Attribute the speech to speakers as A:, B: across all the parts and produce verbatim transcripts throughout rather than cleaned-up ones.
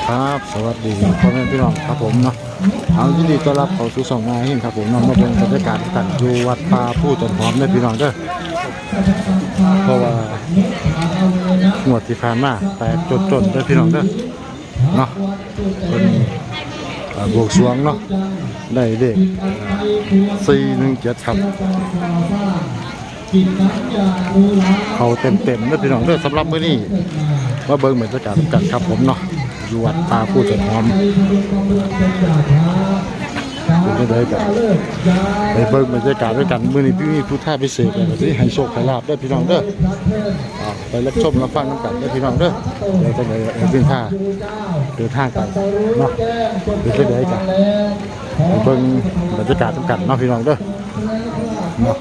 A: ครับสวัสดีพ่อแม่พี่น้องครับผมเนาะเอายินดีต้อนรับเข้าสู่ช่องงานหินครับผมนำมาเป็นบรรยากาศกันอยู่วัดป่าผู้ต้นหอมเด้อพี่น้องเด้อเพราะว่างวดที่ผ่านมาแตกจนๆเด้อพี่น้องเด้อเนาะเป็นบวกสวงเนาะได้เลขสี่หนึ่งเจ็ดครับเขาเต็มๆเด้อพี่น้องเด้อสำหรับมื้อนี้มาเบิ่งบรรยากาศกันครับผมเนาะอยู่วัดป่าผู้ต้นหอมเป็นได้กันไปเบิ่งบรรยากาศด้วยกันมื้อนี้พี่มีผู้ท่าพิเศษอะไรสิให้โชคให้ลาภเด้อพี่น้องเด้อไปรับชมรับฟังน้ำกันเด้อพี่น้องเด้อเดี๋ยวจะไปเป็นท่าเดินทางกันเนาะเป็นได้กันไปเบิ่งบรรยากาศกันเนาะพี่น้องเด้อเนาะ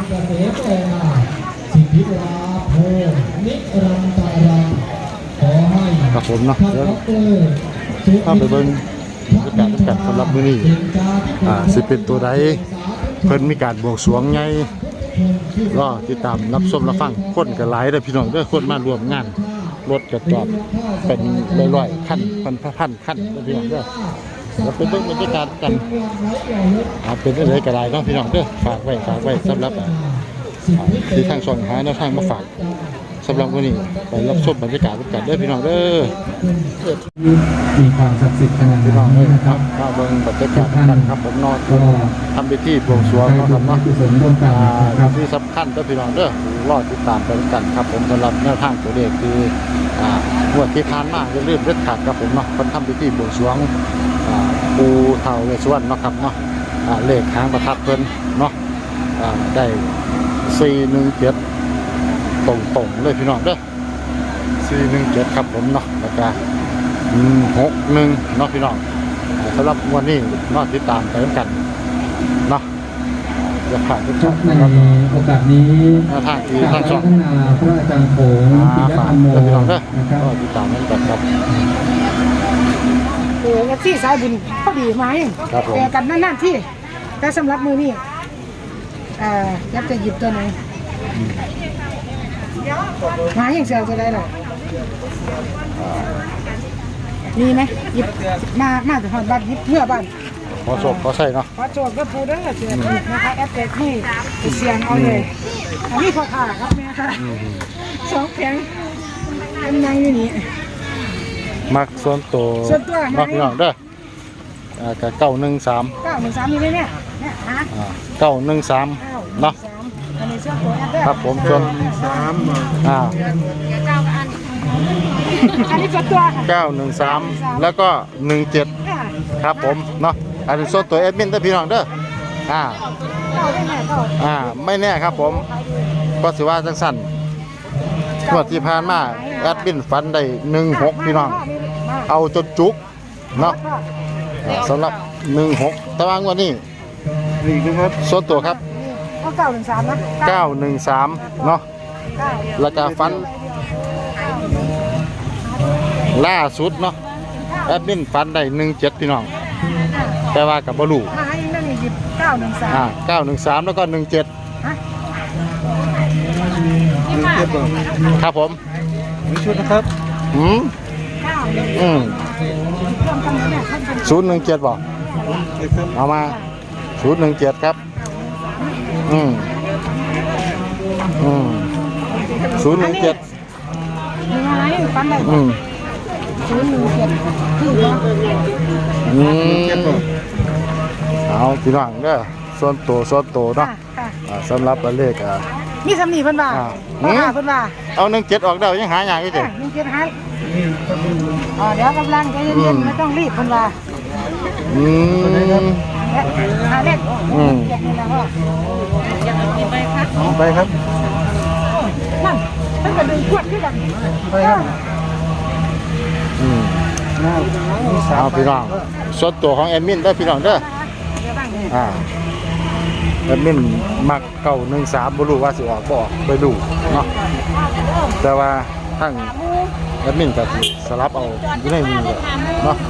A: ครับผมเนาะเดี๋ยวถ้าไปเบิ่งบรรยากาศกันสำหรับมื้อนี้อ่าสิเป็นตัวใดเพิ่นมีการบวงสรวงไงรอติดตามรับชมรับฟังคนก็หลายเด้อพี่น้องเด้อคนมาร่วมงานรถกระจอดเป็นร้อยๆคันพันๆคันเด้อพี่น้องเด้อแล้วเป็นเบิ่งบรรยากาศกันอ่าเป็นจังได๋ก็ได้เนาะพี่น้องเด้อฝากไว้ฝากไว้สำหรับที่ทางช่องหาแนวทางมาฝากสำหรับวันนี้ไปรับชมบรรยากาศกันเด้อพี่น้องเด้อ
B: มีความศักดิ์สิทธิ์ขนาดนี้นะครับ
A: ก็เบิ่งบรรยากาศกันครับผมนอนทำพิธีบวงสรวงนะครับเนาะที่สำคัญเด้อพี่น้องเด้อรอติดตามไปกันครับผมสำหรับแนวทางตัวเลขคืออ่างวดที่ผ่านมาอย่าลืมเด็ดขาดครับผมเนาะคนทำพิธีบวงสรวงอ่าปูเฒ่าเวสสุวรรณเนาะครับเนาะอ่าเลขหางประทัดเพิ่นเนาะอ่าได้สี่หนึ่งเจ็ดตรงๆเลยพี่น้องเด้อสี่หนึ่งเจ็ดครับผมเนาะแล้วก็หกหนึ่งเนาะพี่น้องสำหรับวันนี้นอติดตามไปกันเนาะจะผ่านทุกช่อง
B: ในโอกาสนี้
A: ทางที่ทางช่อง
B: พระอาจารย์โขงปิยธรรมโม
A: นะครับก็ติดตามกันครับ
C: เออที่สายบุญพอดีไหมแต่กันนั่นๆที่แต่สำหรับมือนี่เอ่อยับจะหยิบตัวไหนหาอย่างเสียจะได้หรอมีไหมหยิบมามาถึงบ้านหยิบเพื่อบ้าน
A: ขอโชคขอใส่เนาะ
C: ขอโชคก็พูดได้เสียนะคะแอปเปิลที่เสียงเอาเลยอันนี้พอขาครับแม่ค่ะสองแข็งเป็นนางอยู่นี่
A: มักส่วนตัว
C: ส่วนตัว
A: มักพี่น้องเด้ออ่ากับเก้าหนึ่งสาม
C: เก้าหนึ่งสามมีไหมเนี่ยเนี่ยฮะ
A: เก้าหนึ่งสามเนาะ
C: อันนี้ส่วนตัวแอปเปิล
A: ครับผมส่วนสามอ่า
C: อันนี้ส่วนตัว
A: เก้าหนึ่งสามแล้วก็หนึ่งเจ็ดครับผมเนาะอันนี้ส่วนตัวแอดมินเด้อพี่น้องเด้ออ่าอ่าไม่แน่ครับผมก็สิว่าจังสั่นงวดที่ผ่านมาแอดมินฟันได้หนึ่งหกพี่น้องเอาจนจุกเนาะสำหรับหนึ่งหกตารางวันนี้นี่ครับส่วนตัวครับ
C: เก้าหนึ่งสามนะ
A: เก้าหนึ่งสามเนาะแล้วก็ฟันล่าสุดเนาะแอดมินฟันได้หนึ่งเจ็ดพี่น้องแต่ว่ากับบอลู
C: มาให้นั่นหยิบเก้าหนึ่งสาม
A: อ่าเก้าหนึ่งสามแล้วก็หนึ่งเจ็ดครับผม
B: มีชุดนะครับ
A: อืมอืมศูนย์หนึ่งเจ็ดบอกเอามาศูนย์หนึ่งเจ็ดครับอืมอืมศูนย์หนึ่งเจ็ดอืม
C: ศูนย์หนึ่งเจ็ดคือว่า
A: อืมเอาพี่น้องเด้อส่วนตัวส่วนตัวเนาะสำหรับเลขอ่ะ
C: มีสำนีเพิ่นว่าเพิ่นว่า
A: เอาหนึ่งเจ็ดออกได้ยังหาอย่างอีก
C: เด้หนึ่งเจ็ดหาอ๋อเดี๋ยวกำลังใจเย็นๆไม่ต้องรีบเพิ่นว่า
A: อืม
C: หาเลข
A: อืมไปครับ
C: นั่นมันก็ดึงขวดขึ้นกัน
A: ไปครับอืมเอาพี่น้องส่วนตัวของแอดมินได้พี่น้องเด้ออ่าแอดมินมักเก้าหนึ่งสามบ่รู้ว่าสิออกบ่ออกไปดูเนาะแต่ว่าทั้งแอดมินก็สลับเอาอยู่ในนี้เนาะ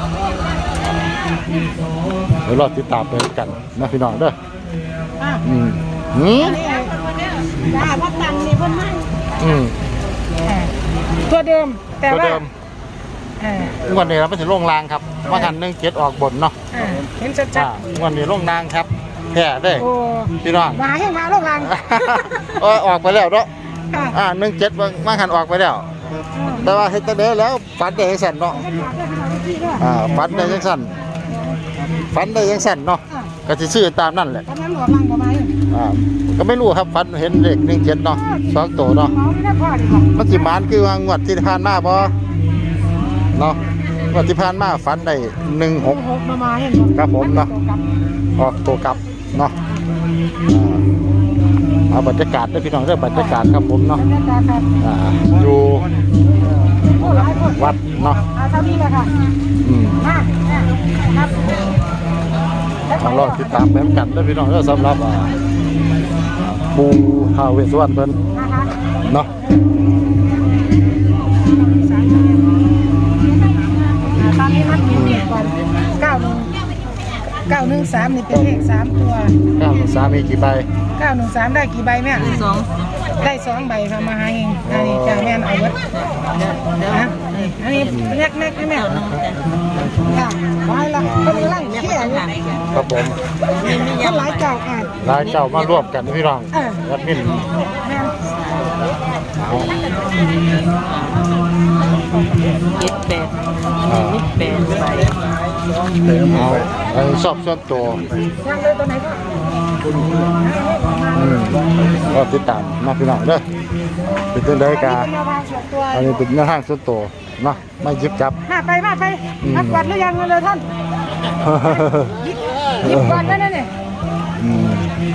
A: เดี๋ยวรอติดตามไปกันนะพี่น้องเด้ออืมอืม
C: จ้าพ่อตังนี่เพิ่นให้
A: อืม
C: ตัวเดิมแต่ว่าเออ
A: วันนี้เราไม่ถึงลงรางครับว่ากันหนึ่งเจ็ดออกบนเนาะ
C: เออเห็นชัด
A: อ่าวันนี้ลงรางครับแพ้ได้
C: ๆโอ้
A: พี่น้อง
C: มาให้มาโรงงาน
A: เออออกไปแล้วเนาะ
C: ค่ะ
A: อ่าหนึ่งเจ็ดว่ากันออกไปแล้ว แต่ว่าเฮ็ดแต่เด้อแล้วฝันได้ยังสั่นเนาะอ่าฝันได้ยังสั่นฝันได้ยังสั่นเนาะก็สิซื้อตามนั่นแหละ
C: ตอนนั้นหลวงลังประมาณ
A: อ่าก็ไม่รู้ครับฝันเห็นเลขหนึ่งเจ็ดเนาะสองตัวเนาะ
C: เมาไม่ได้พอดีกว่า
A: มันสิมานคือว่างวดที่ผ่านมาบ่เนาะงวดที่ผ่านมาฝันได้หนึ่งหก
C: หกมามาเห็น
A: ครับผมเนาะ ออกตัวกลับเนาะอ่าเอาบรรยากาศด้วยพี่น้องเรื่องบรรยากาศครับผมเนาะ
C: บรรยากาศครับ
A: อ่าอยู่
C: โอ้หลายคน
A: วัดเนาะ
C: อาเท่านี้เลยค่ะ
A: อืม
C: มาเนี่ยครับ
A: เอาลองติดตามแม่กันด้วยพี่น้องเรื่องสำหรับอ่าปูท้าวเวสสุวรรณเพิ่น
C: นะคะ
A: เนาะ
C: ตอนนี้นับหนึ่งเจ็ดก่อนเก้าหนึ่งเก้าหนึ่งสามนี่เป็นเลขสามตัว
A: เก้าสามีกี่ใบ
C: เก้าหนึ่งสามได้กี่ใบแม่สองได้สองใบค่ะมาหาเองอันนี้จ้าแม่นเอาไว้นะอันนี้แน็กแน็กแม่ค่ะไว้ละคนไล่เขี้ยอยู่
A: ครับผม
C: คนหลายเจ้าอ่ะ
A: รายเจ้ามารวมกันนะพี่น้อง
C: เออ
A: วัดมิน
C: แม่น
A: เอา
D: เจ็ดแปด
A: อ่า
D: นิดแปดไป
A: เอาเอาชอบส่วนตัว
C: ยังเลยตัวไหนก็
A: อืมก็ติดตามมาพี่น้องเด้อเป็นตัวใดกา
C: อันนี้เป็นแนวทางส่วนตัว
A: อันนี้เป็นหน้าห้างส่วนตัวเนาะไม่ยิบจับ
C: มาไปมาไปนักวัดหรือยังเลยท่านยิบยิบก่อนนั่นนี่
A: อืม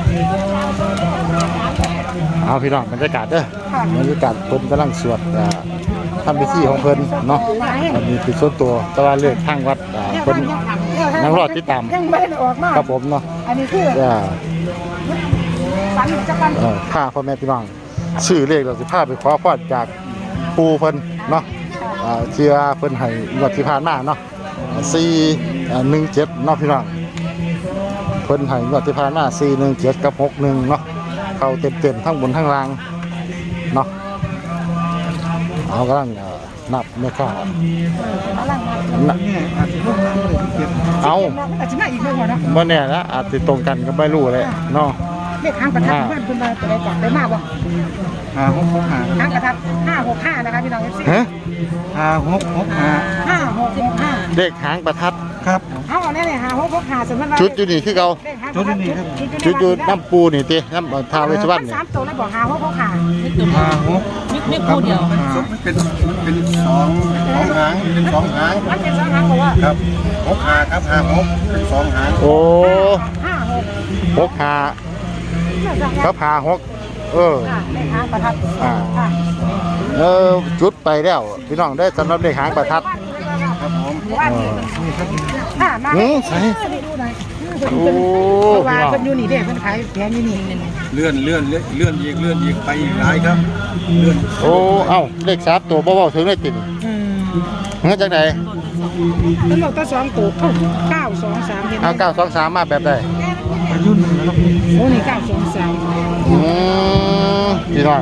A: เอาพี่น้องบรรยากาศเด้อ
C: ค่ะ
A: บรรยากาศเพิ่นกำลังสวดอ่าทำพิธีของเพิ่นเนาะอันนี้เป็นส่วนตัวแต่ว่าเลือกทางวัดอ่าเพิ่น ยังรอติดตาม
C: ยังไม่ได้ออกมา
A: ครับผมเนาะ
C: อันนี้คือ
A: อ่า
C: ฝันจะกัน
A: เอ่อพาพ่อแม่พี่น้องชื่อเลขเราสิพาไปขอพรจากปูเพิ่นเนาะอ่าเชื่อเพิ่นให้งวดที่ผ่านมาเนาะสี่หนึ่งเจ็ดเนาะพี่น้องเพิ่นให้งวดที่ผ่านมาสี่หนึ่งเจ็ดกับหกหนึ่งเนาะเข้าเต็มๆทั้งบนทั้งล่างเนาะเอากำลังเอ่อนับไม่ค่านับเอา
C: อาจจะมาอีกเรื่องนะ
A: เมื่อเนี่ยนะอาจจะตรงกันก็ไม่รู้เลยเนาะ
C: เลขทางประทัดเพื่อนคุณมาตัวใดก่อนได้มากบ่
B: ห้าหกหกห้า
C: ทางประทัดห้าหกห้านะคะพี่น้องเอฟซี
A: ฮะ
B: ห้าหกหกห้า
C: ห้าหกหกห้า
A: เลขหางประทัด
B: ครับ
C: เอาเนี่ยเนี่ยห้าหกหกห้าสมมติว่า
A: ชุดอยู่นี่คือเขา
C: เลขทางประทัดชุด
A: ชุดอยู่น้ำปูนี่ติน้ำทาวเวสสุวรรณนี่
C: สามตัวแล้วบอกห้าหกหกห้า
B: ห้าหก
D: นิดนิดคู่เดียว
B: เป็นเป็นสองสองหางเป็นสองหาง
C: มันเป็นสองหางบอกว่า
B: ครับหกห้าครับห้าหกเป็นสองหาง
A: โอ้
C: ห้าหก
A: หกหาเขาพาหกเออ
C: เลขทางประทัดค่ะ
A: เออจุดไปแล้วพี่น้องได้สำหรับเลขหางประทัด
B: ครับผม
C: ว่า
A: เออ
C: อ่ามา
A: หือใส่
C: ดูหน่อย
A: โอ้
C: เพราะว่า
A: พี่น้อง
C: เป็นอยู่นี่เด้เพิ่นขายแพงอยู่นี่
B: เลื่อนเลื่อนเลื่อนเลื่อนอีกเลื่อนอีกไปอีกหลายครับเลื่อน
A: โอ้เอ้าเลขสามตัวเบาๆถึงได้ติด
C: อืม
A: เฮ้ยจังไหน
C: เพิ่นบอกตัวสองตัวเอ้าเก้าสองสามเห็นไหม
A: เอาเก้าสองสามมาแบบใด
B: ยุ่นนะครับ
C: โอ้นี่เก้าสองสาม
A: อืมพี่น้อง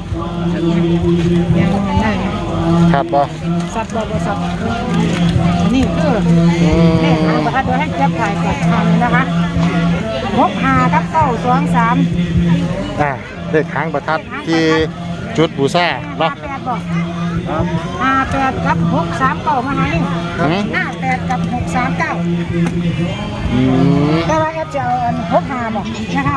C: ยังนอนได้ไหม
A: ครับบ่
C: สัตว์บอกว่าสัตว์นี่คือ
A: อืม
C: เลขหางประทัดเดี๋ยวให้แจ๊บถ่ายก่อนทำนะคะหกห้ากับเก้าสองสาม
A: อ่าเลขหางประทัดที่จุดบูชา
C: ห้า
A: เนาะ
C: แปดบอก
B: ครับ
C: ห้าแปดกับหกสามเก้ามาให้
A: หืม
C: ห้าแปดกับหกสามเก้า
A: อืม
C: แต่ว่าแอดจะเอาอันหกห้าบอกนะคะ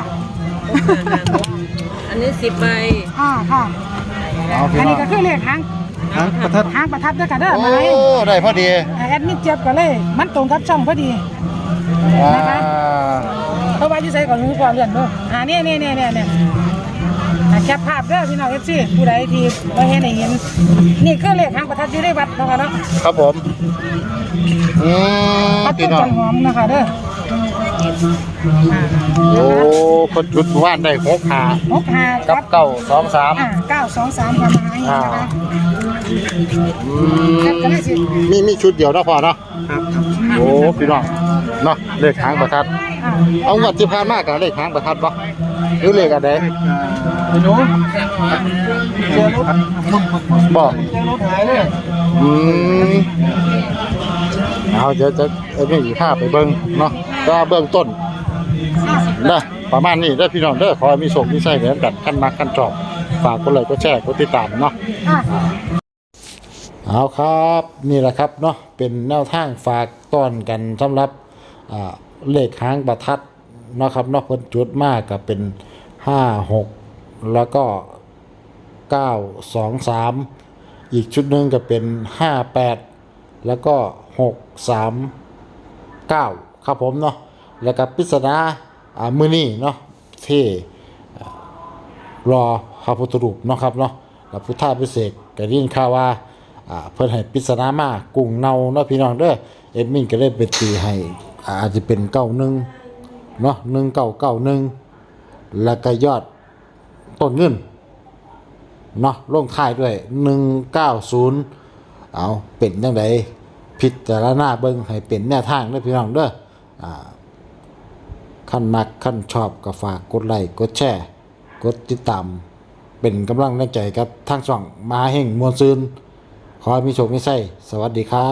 D: อันนี้สิบใบ
C: อ่าค่ะ
A: เอาพี่
C: อัน
A: น้
C: นี้
A: อง
C: ก็คือเลขหาง
B: หางประทัด
C: หางประทัดด้วยกันเด้อ
A: โอ้
C: มาให้
A: ได้พอดี
C: แอดมิดเจ็บก็เลย มันตรงกับช่องพอดี
A: อ่า
C: นะคะ เพราะว่าอยู่ใส่ก่อนมือก่อนเลื่อนเด้ออ่านี่นี่นี่นี่นี่อ่าแคปภาพเด้อพี่น้องเอฟซีผู้ใดที่บ่เห็นให้เห็น นี่คือเลขหางประทัดอยู่ในวัดเนาะค่ะเนาะ
A: ครับผมอืม
C: วัด
A: พี่
C: ต้น
A: น้อ
C: จั
A: ง
C: นหอมนะคะเด้ออ่า
A: โอ้คนจุดว่านได้หกหา
C: หกห้า
A: กับเก้าสองสาม
C: อ่าเก้าสองสามประมาณนี้นะคะ
A: อื
C: แคปก็ได้สิ
A: มมีมีชุดเดียวเนาะพอเนาะ
B: ครับครับ
A: โอ้พี่น้องเนาะเลขหางประทัด
C: อ่า
A: เอางวดที่ผ่านมากับเลขหางประทัดปะหรือเลขอะไร
B: เลขอ่าไอ้หนูเจอรถ
A: บอก
B: เจอรถหายเลย
A: อืมเอาเดี๋ยวจะเอ็นนี่ภาพไปเบิ่งเนาะก็เบื้องต้นนะประมาณนี้เด้อพี่น้องเด้อขอให้มีโชคมีชัยเหมือนกันขั้นมักขั้นชอบฝากกดไลค์กดแชร์กดติดตามเนาะ
C: อ่ะ
A: เอาครับนี่แหละครับเนาะเป็นแนวทางฝากต้อนกันสำหรับอ่าเลขหางประทัดเนาะครับเนาะเพิ่นจุดมากก็เป็นห้าหกแล้วก็เก้าสองสามอีกชุดหนึ่งก็เป็นห้าแปดแล้วก็หกสามเก้าครับผมเนาะแล้วก็ปริศนาอ่ามื้อนี้เนาะที่อ่ารอพระพุทธรูปเนาะครับเนาะแล้วพุทธาภิเษกก็ได้ยินข่าวว่าอ่าเพิ่นให้ปริศนามากุ้งเนาเนาะพี่น้องเด้อเอ็ดมินก็เลยไปตีให้อ่าอาจจะเป็นเก้าหนึ่งเนาะหนึ่งเก้าเก้าหนึ่งแล้วก็ยอดต้นเงินเนาะลงท้ายด้วยหนึ่งเก้าศูนย์เอาเป็นจังไดพิจารณาเบิ่งให้เป็นแนวทางเด้อพี่น้องเด้ออ่าคันมักคันชอบก็ฝากกดไลค์กดแชร์กดติดตามเป็นกำลังใจกับทางช่องมหาเฮงมวลซืนขอให้มีโชคมีชัยสวัสดีครับ